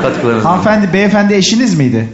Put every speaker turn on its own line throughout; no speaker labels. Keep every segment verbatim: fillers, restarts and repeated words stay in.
katkılarınız.
Hanımefendi, beyefendi eşiniz miydi?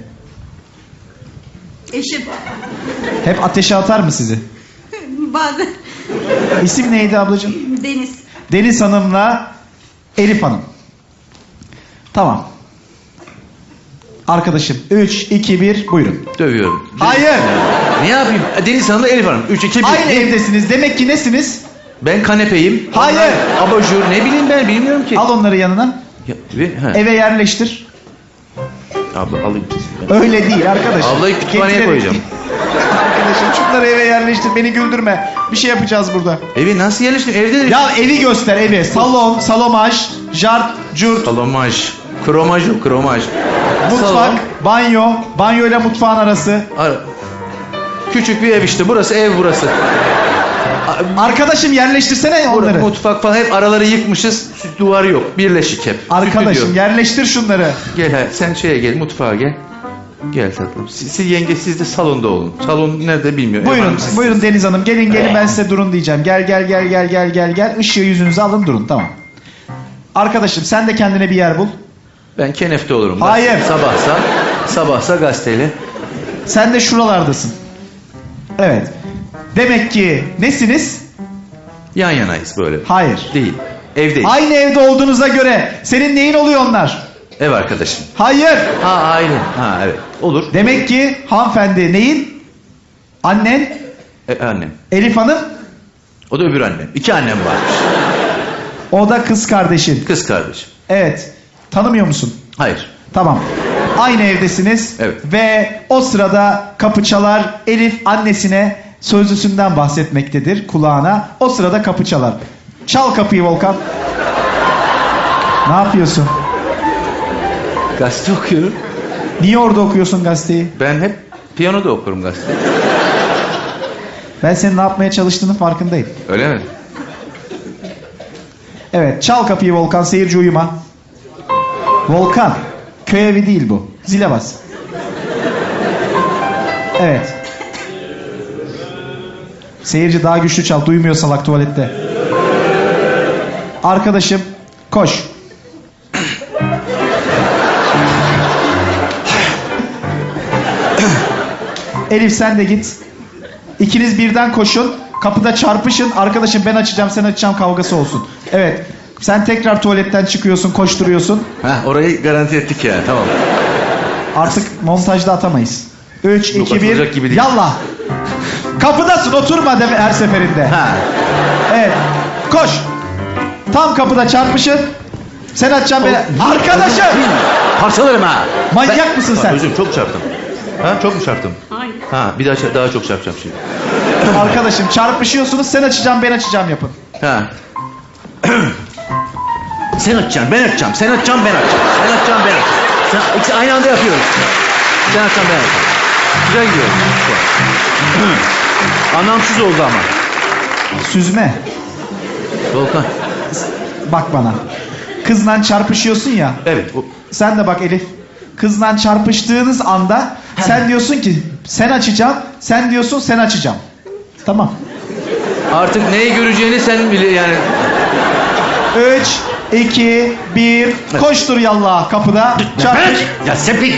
Eşim.
Hep ateşe atar mı sizi?
Bazen.
İsim neydi ablacığım?
Deniz.
Deniz Hanım'la Elif Hanım. Tamam. Arkadaşım üç, iki, bir buyurun.
Dövüyorum.
Hayır.
Ne yapayım? Deniz Hanım'la Elif Hanım. üç, iki, bir.
Aynı evdesiniz. Demek ki nesiniz?
Ben kanepeyim.
Hayır.
Onlar abajur. Ne bileyim ben bilmiyorum ki.
Al onları yanına.
Ya, ve, he.
Eve yerleştir.
Abla alayım.
Öyle değil arkadaşım.
Ablayı kütüphaneye
Getirelim.
koyacağım.
Arkadaşım şunları eve yerleştir. Beni güldürme. Bir şey yapacağız burada.
Evi nasıl yerleştim? Evde de...
Ya evi göster evi. Salon, salomaj, jart, curt,
Salomaj. Kromaj o kromaj.
mutfak,
Salon.
banyo, banyo ile mutfağın arası.
Ara. Küçük bir ev işte. Burası ev burası.
Arkadaşım yerleştirsene onları.
Mutfak falan hep araları yıkmışız. Duvar yok. Birleşik hep.
Arkadaşım
Stüdyo.
yerleştir şunları.
Gel ha, sen şeye gel mutfağa gel. Gel tatlım. Siz, siz yenge siz de salonda olun. Salon nerede bilmiyorum.
Buyurun,
Efendim, siz-
buyurun Deniz Hanım. Gelin gelin ben size durun diyeceğim. Gel gel gel gel gel gel gel. Işığı yüzünüze alın durun tamam. Arkadaşım sen de kendine bir yer bul.
Ben kenefte olurum.
Hayır.
Gazete- Sabahsa, sabahsa gazeteyle.
Sen de şuralardasın. Evet. Demek ki nesiniz?
Yan yanayız böyle.
Hayır.
Değil. Evdeyiz.
Aynı evde olduğunuza göre senin neyin oluyor onlar?
Ev arkadaşım.
Hayır.
Ha aile. Ha evet. Olur.
Demek ki hanımefendi neyin? Annen,
E, annem.
Elif Hanım,
O da öbür annem. İki annem varmış.
o da kız kardeşin.
Kız kardeşim.
Evet. Tanımıyor musun?
Hayır.
Tamam. Aynı evdesiniz.
Evet.
Ve o sırada kapı çalar. Elif annesine sözlüsünden bahsetmektedir kulağına. O sırada kapı çalar. Çal kapıyı Volkan. Ne yapıyorsun?
Gazete okuyorum.
Niye orada okuyorsun gazeteyi?
Ben hep piyanoda okurum gazete.
Ben senin ne yapmaya çalıştığının farkındayım.
Öyle mi?
Evet, çal kapıyı Volkan, seyirci uyuma. Volkan, köy evi değil bu. Zile bas. Evet. Seyirci daha güçlü çal, duymuyor salak tuvalette. Arkadaşım, koş. Elif sen de git. İkiniz birden koşun. Kapıda çarpışın. Arkadaşım ben açacağım sen açacağım kavgası olsun. Evet. Sen tekrar tuvaletten çıkıyorsun koşturuyorsun.
Heh, orayı garanti ettik ya. Tamam.
Artık montajda atamayız. üç,
Yok,
iki, bir.
atılacak gibi değil.
Yallah. Kapıdasın oturma de her seferinde.
Ha.
Evet. Koş. Tam kapıda çarpışın. Sen açacaksın beni. Arkadaşım.
Parçalarım ha.
Manyak
Ben-
mısın
Ha,
sen?
Özür çok çarptım. Ha çok mu çarptım?
Hayır.
Ha bir daha çar- daha çok çarpacağım şimdi.
Arkadaşım çarpışıyorsunuz sen açacağım ben açacağım yapın.
Ha. Sen açacaksın, ben açacağım. Sen açacaksın, ben açacağım. Sen açacaksın, ben açacağım. Sen, ikisi aynı anda yapıyoruz. Sen açacaksın, ben açacağım. Güzel gidiyor. Anlamsız oldu ama.
Süzme.
Volkan.
Bak bana. Kızla çarpışıyorsun ya.
Evet. O...
Sen de bak Elif. Kızla çarpıştığınız anda sen diyorsun ki sen açacağım. Sen diyorsun sen açacağım. Tamam.
Artık neyi göreceğini sen bile yani.
üç, iki, bir. Koştur yallah kapıda. Çarpış.
Ya sepik.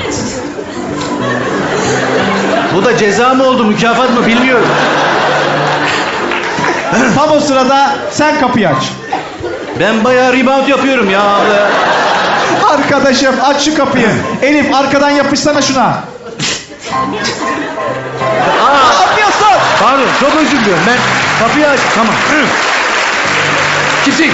Bu da ceza mı oldu, mükafat mı bilmiyorum.
Tam o sırada sen kapıyı aç.
Ben bayağı rebound yapıyorum ya abla.
Arkadaşım aç şu kapıyı. Elif arkadan yapışsana şuna.
Aa,
Ne yapıyorsun?
pardon, çok özür diliyorum. Ben kapıyı aç. Tamam. Kimsin?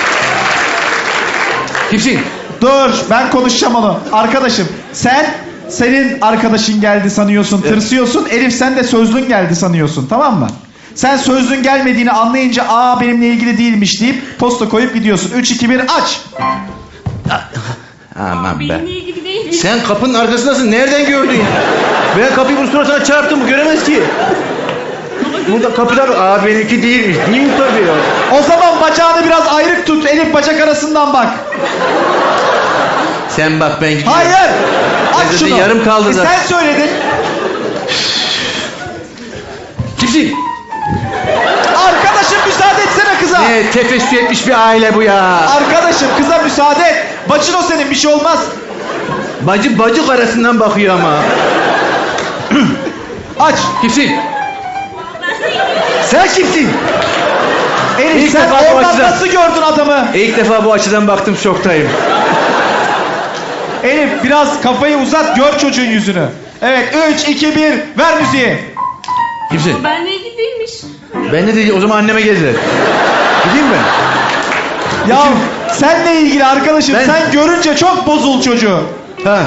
Kimsin?
Dur ben konuşacağım onu. Arkadaşım sen senin arkadaşın geldi sanıyorsun, tırsıyorsun. Elif sen de sözlün geldi sanıyorsun, tamam mı? Sen sözlün gelmediğini anlayınca aa benimle ilgili değilmiş deyip posta koyup gidiyorsun. üç, iki, bir aç.
Aman be.
Benimle ilgili değil.
Sen kapının arkasındasın. Nereden gördün ya? Ben kapıyı bu suratına çarptım. Bu göremez ki. Burada kapıdan... Aa benimki değilmiş. Değil tabii ya.
O zaman bacağını biraz ayrık tut. Elif bacak arasından bak.
Sen bak ben gidiyorum.
Hayır.
Ben
Aç
zaten
şunu.
yarım kaldı
E
zaten.
sen söyledin.
Kimsin?
Arkadaşım müsaade etsene kıza.
Ne tefessü etmiş bir aile bu ya.
Arkadaşım kıza müsaade et. Bacın o senin bir şey olmaz.
Bacı bacık arasından bakıyor ama.
Aç.
Kimsin? Sen kimsin?
Elif
İlk
sen
defa bu
oradan
açıdan-
nasıl gördün adamı?
İlk defa bu açıdan baktım, şoktayım.
Elif biraz kafayı uzat, gör çocuğun yüzünü. Evet, üç, iki, bir, ver müziği.
Kimsin?
Benle ilgili değilmiş.
Ben de değil, o zaman anneme geldiler. Gideyim mi?
Ya senle ilgili arkadaşım,
Ben-
sen görünce çok bozul çocuğu.
Ha.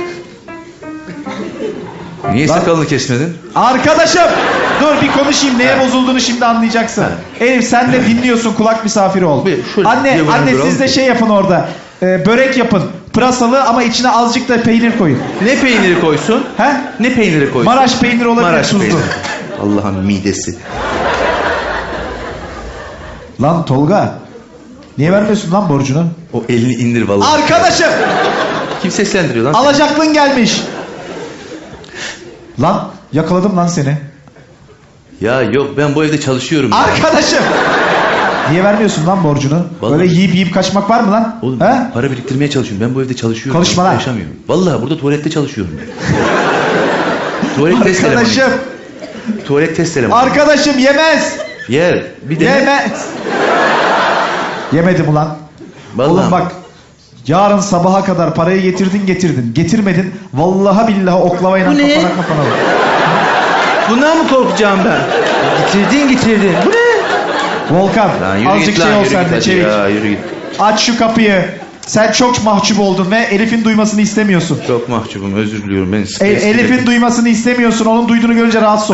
Niye
Lan-
sakalını kesmedin?
Arkadaşım, dur bir konuşayım, neye bozulduğunu şimdi anlayacaksın. Elif sen de dinliyorsun, kulak misafiri ol.
Bir şöyle
Anne,
diagonal
anne
duralım.
siz de şey yapın orada. Ee, börek yapın, pırasalı ama içine azıcık da peynir koyun.
Ne peyniri koysun?
He?
Ne peyniri koysun?
Maraş peyniri olabilir,
Maraş
tuzlu.
peyniri. Allah'ın midesi.
Lan Tolga, niye vermiyorsun lan borcunu?
O elini indir vallahi.
Arkadaşım,
Kim seslendiriyor lan?
alacaklın gelmiş. Lan yakaladım lan seni.
Ya yok, ben bu evde çalışıyorum.
Arkadaşım. Niye vermiyorsun lan borcunu?
Vallahi-
Böyle yiyip yiyip kaçmak var mı lan?
Oğlum
He?
para biriktirmeye çalışıyorum. Ben bu evde çalışıyorum.
Konuşma lan.
Yaşamıyorum. Vallahi burada tuvalette çalışıyorum. Tuvalet test elemanıyım.
Arkadaşım.
Tuvalet test elemanıyım.
Arkadaşım yemez.
Yer. Bir de
Yemez. Yemedim ulan.
Vallahi.
Oğlum bak. Yarın sabaha kadar parayı getirdin getirdin. Getirmedin. Vallahi billahi oklavayla
Bu ne?
kafana kafana vur.
Bundan mı korkacağım ben? Getirdin getirdin. Bu ne?
Volkan
Lan yürü
azıcık
git
şey
lan,
ol
yürü
sen
git
de
hadi
çevik.
ya, yürü git.
Aç şu kapıyı. Sen çok mahcup oldun ve Elif'in duymasını istemiyorsun.
Çok mahcubum, özür diliyorum. Ben
E,
stresli-
Elif'in duymasını istemiyorsun. Onun duyduğunu görünce rahatsız ol.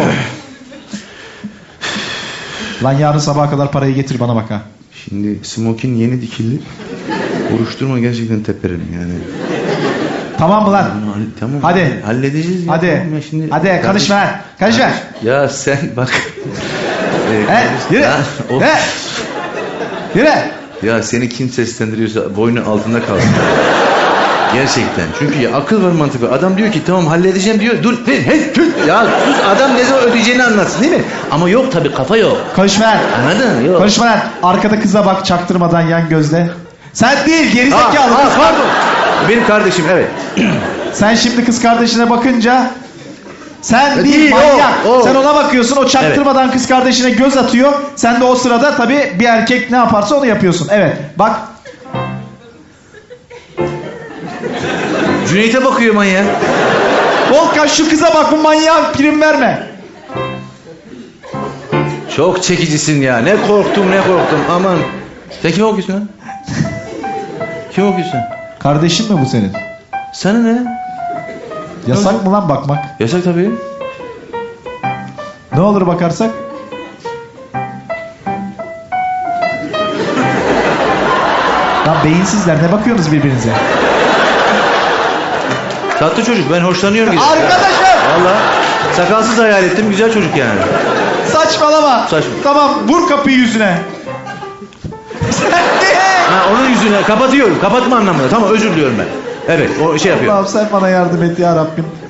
Lan yarın sabaha kadar parayı getir bana bak ha.
Şimdi smokin yeni dikildi. Vuruşturma, gerçekten teperim yani.
Tamam mı lan?
Bunu halle- tamam.
Hadi.
Halledeceğiz ya.
Hadi.
Tamam ya şimdi.
Hadi karışma lan. Karışma.
Ya sen bak. Ee,
He,
kardeş-
yürü.
Ya, o-
He. Yürü.
ya seni kim seslendiriyorsa boynu altında kalsın. Gerçekten. Çünkü ya akıl var, mantık var. Adam diyor ki tamam halledeceğim diyor. Dur. He, he, tüh. Ya sus, adam ne zaman ödeyeceğini anlatsın değil mi? Ama yok tabii, kafa yok.
Konuşma lan.
Anladın? Yok.
Konuşma lan. Arkada kıza bak çaktırmadan yan gözle. Sen değil
Ha,
gerizekalı.
ha,
kız.
pardon. Benim kardeşim, evet.
Sen şimdi kız kardeşine bakınca sen
E,
değil,
değil, o,
manyak.
o.
Sen ona bakıyorsun, o çaktırmadan kız kardeşine göz atıyor. Sen de o sırada tabii bir erkek ne yaparsa onu yapıyorsun. Evet bak.
Cüneyt'e bakıyor manyak.
Volkan şu kıza bak, bu manyağa prim verme.
Çok çekicisin ya. Ne korktum ne korktum. Aman. Sen kim okuyorsun lan? Kim okuyorsun?
Kardeşin mi bu senin?
Sana ne?
Yasak mı lan bakmak?
Yasak tabii.
Ne olur bakarsak? Lan beyinsizler, ne bakıyorsunuz birbirinize?
Tatlı çocuk, ben hoşlanıyorum. güzel.
Arkadaşım!
Valla. Sakalsız hayal ettim, güzel çocuk yani.
Saçmalama.
Saçma.
Tamam, vur kapıyı yüzüne. Sen de.
Ha, onun yüzüne kapatıyorum. Kapatma anlamında. Tamam, özür diliyorum ben. Evet, o şey yapıyor.
Allah'ım sen bana yardım et ya Rabbim.